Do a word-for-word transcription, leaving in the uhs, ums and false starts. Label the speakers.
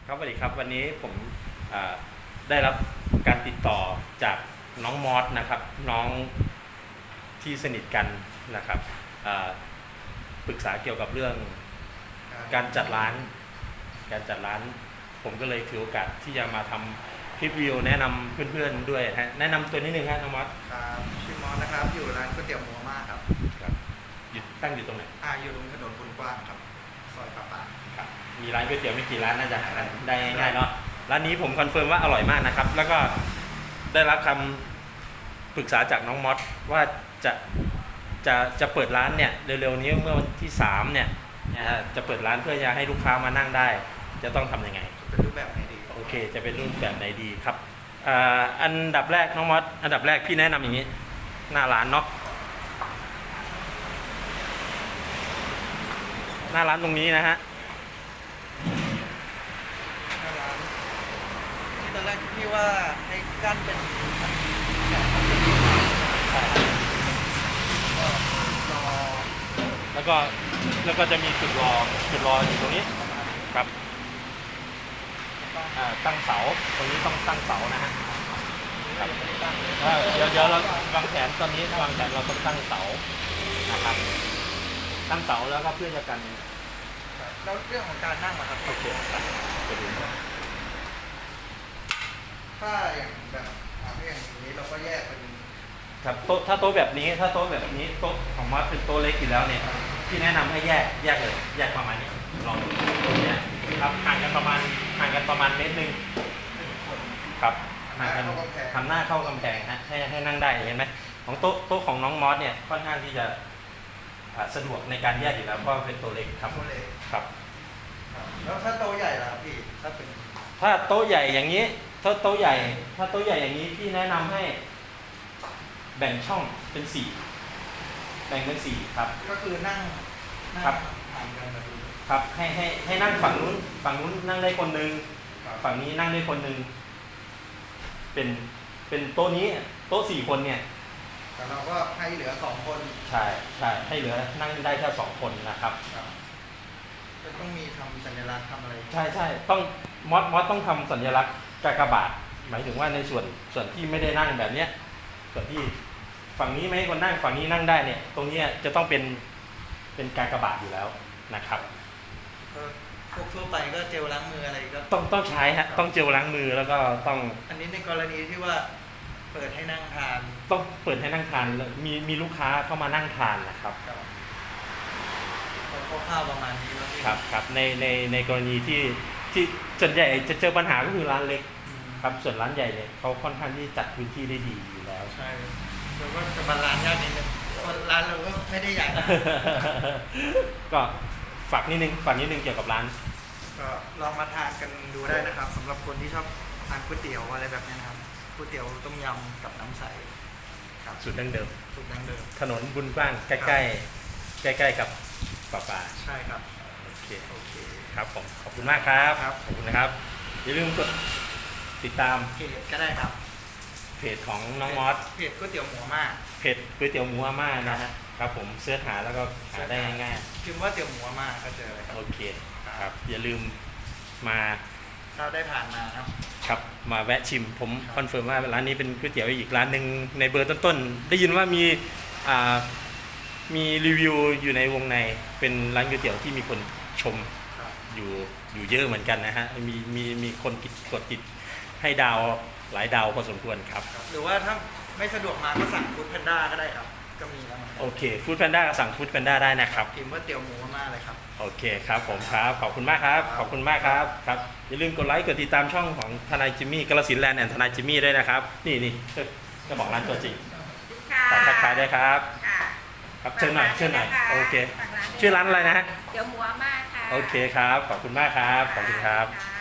Speaker 1: ครับสวัสดีครับวันนี้ผมได้รับการติดต่อจากน้องมอสนะครับน้องที่สนิทกันนะครับปรึกษาเกี่ยวกับเรื่องการจัดร้านการจัดร้านผมก็เลยถือโอกาสที่จะมาทำคลิปวิดีโอแนะนำเพื่อนๆด้วยฮะแนะนำตัวนิดนึงฮะน้องมอส
Speaker 2: ครับชื่อมอสนะครับอยู่ร้านก๋วยเตี๋ยวหมูม่าครับ
Speaker 1: ครับอยู่ตั้งอยู่ตรงไหน
Speaker 2: อ่าอยู่ตรงถนนบุญกว้างครับซอยปะปะ
Speaker 1: ครับมีร้านก๋วยเตี๋ยวไม่กี่ร้านน่าจะหากันได้ง่ายๆเนาะร้านนี้ผมคอนเฟิร์มว่าอร่อยมากนะครับแล้วก็ได้รับคำปรึกษาจากน้องมอสว่าจะจะจะเปิดร้านเนี่ยเร็วๆนี้เมื่อวันที่สามเนี่ยจะเปิดร้านเพื่อจะให้ลูกค้ามานั่งได้จะต้องทำยังไง
Speaker 2: เป็นรูปแบบไหนดี
Speaker 1: โอเคจะเป็นรูปแบบไหนดีครับอันดับแรกน้องมอสอันดับแรกพี่แนะนำอย่างนี้หน้าร้านเนาะหน้าร้านตรงนี้นะฮะ
Speaker 2: หน้าร้านที่ตอนแรกพี่ว่าให้กั้นเป็น
Speaker 1: แล้วก็แล้วก็จะมีจุดรอจุดรออยู่ตรงนี้ครับตั้งเสาตรงนี้ต้องตั้งเสานะฮะครับเดี๋ยวเดี๋ยวเราวางแผนตอนนี้วางแผนเราต้องตั้งเสานะครับตั้งเสาแล้วก็เพื่อจะกัน
Speaker 2: แล้วเรื่องของการนั่งนะครับ
Speaker 1: โอเคไปดู
Speaker 2: ถ้าอย่างแบบอย่างนี้เราก็แยกเป็น
Speaker 1: ครับโต๊ะถ้าโต๊ะแบบนี้ถ้าโต๊ะแบบนี้โต๊ะของมัดเป็นโต๊ะเล็กอยู่แล้วเนี่ยที่แนะนำให้แยกแยกเลยแยกประมาณนี้ลองตรงนี้ครับห่างกันประมาณห่างกันประมาณเมตรหนึ่งครับห่างกันทำหน้าเข้ากำแพงฮะให้ให้นั่งได้เห็นไหมของโต๊ะโต๊ะของน้องมอสเนี่ยค่อนข้างที่จะสะดวกในการแยกอยู่แล้วเพราะเป็นตัวเล็กครับครับ
Speaker 2: แล้วถ้าโต๊ะใหญ่ล่ะพี่ถ้าเป็น
Speaker 1: ถ้าโต๊ะใหญ่อย่างนี้ถ้าโต๊ะใหญ่ถ้าโต๊ะใหญ่อย่างนี้พี่แนะนำให้แบ่งช่องเป็นสี่แบ่งเป็นสี่ครับ
Speaker 2: ก็คือนั่ง
Speaker 1: ครับครับให้ให้ให้นั่งฝั่งนู้นฝั่งนู้นนั่งได้คนหนึ่งฝั่งนี้นั่งได้คนหนึ่งเป็นเป็นโต๊ะนี้โต๊ะสี่คนเนี่ย
Speaker 2: แต่เราก็ให้เหลือสองคน
Speaker 1: ใช่ใช่ให้เหลือนั่งได้แค่สองคนนะครับ
Speaker 2: จะต้องมีทำสัญลักษณ์ทำอะไร
Speaker 1: ใช่ใช่ต้องมอสมอสต้องทำสัญลักษณ์กากบาทหมายถึงว่าในส่วนส่วนที่ไม่ได้นั่งแบบเนี้ยส่วนที่ฝั่งนี้ไม่ให้คนนั่งฝั่งนี้นั่งได้เนี่ยตรงนี้จะต้องเป็นเป็นกากบาทอยู่แล้วนะครับ
Speaker 2: พวกทั่วไปก็เจลล้างมืออะไรก็
Speaker 1: ต้องต้องใช้ฮะต้องเจลล้างมือแล้วก็ต้อง
Speaker 2: อันนี้ในกรณีที่ว่าเปิดให้นั่งทาน
Speaker 1: ต้องเปิดให้นั่งทานมีมีลูกค้าเข้ามานั่งทานนะครับ
Speaker 2: คร่าวๆประมาณนี้
Speaker 1: ครับครับในในในกรณีที่ที่ส่วนใหญ่จะเจอปัญหาก็คือร้านเล็กครับส่วนร้านใหญ่เนี่ยเขาค่อนข้างที่จัดพื้นที่ได้ดีอยู่แล้ว
Speaker 2: ใช่แต่ว่าจะมาร้านยากนิดนึงร้านเราก็ไม่ได้ใหญ่
Speaker 1: ก็ฝากนิดนึงฝากนิดนึงเกี่ยวกับร้าน
Speaker 2: ก็ลองมาทานกันดูได้นะครับสำหรับคนที่ชอบทานก๋วยเตี๋ยวอะไรแบบนี้นะครับก๋วยเตี๋ยวต้มยำกับน้ำใส
Speaker 1: ครับสูตรดั้งเดิม
Speaker 2: สูตรดั้งเดิม
Speaker 1: ถนนบุญกว้างใกล้ใกล้ใกล้ใกล้กับป่าป่า
Speaker 2: ใช่ครับ
Speaker 1: โอเคโอเคครับผมขอบคุณมากครับขอบคุณนะครับอย่าลืมกดติดตาม
Speaker 2: เพจก็ได้ครับ
Speaker 1: เพจของน้องมอส
Speaker 2: เพจก๋วยเตี๋ยวหมูม่า
Speaker 1: เพจก๋วยเตี๋ยวหมูม่านะฮะครับผมเสิร์ชหาแล้วก็หาได้ง่าย
Speaker 2: ๆพิมพ์ว่าเตี๋ยวหมูม่าก็เจอเลย
Speaker 1: โอเคครับอย่าลืมมา
Speaker 2: ถ้าได้ผ่านมาครับ
Speaker 1: ครับมาแวะชิมผมคอนเฟิร์มว่าร้านนี้เป็นก๋วยเตี๋ยวอีกร้านหนึ่งในเบอร์ต้นๆได้ยินว่ามีอ่ามีรีวิวอยู่ในวงในเป็นร้านก๋วยเตี๋ยวที่มีคนชมอยู่อยู่เยอะเหมือนกันนะฮะมีมีมีคนกดติดให้ดาวหลายดาวพอสมควรครับ
Speaker 2: หรือว่าถ้าไม่สะดวกมาก็สั่งฟู้ดแพนด้าก็ได้ครับก็มีแล้ว
Speaker 1: โอเคฟู้ดแพนด้าก็สั่งฟู้ดแพนด้าได้นะครับ
Speaker 2: พิมพ์ว่าเตี๋ยวหมูม่าเลยครับ
Speaker 1: โอเคครับผมครับขอบคุณมากครับขอบคุณมากครับครับอย่าลืมกดไลค์กดติดตามช่องของทนายจิมมี่กาฬสินธุ์แลนด์แอนด์ทนายจิมมี่ด้วยนะครับนี่นี่จะบอกร้านตัวจริงทักทายได้ครับครับเชิญหน่อยเชิญหน่อยโอเคชื่อร้านอะไรนะฮะ
Speaker 3: เตี๋ยวหมูม่าค่ะ
Speaker 1: โอเคครับขอบคุณมากครับขอบคุณครับ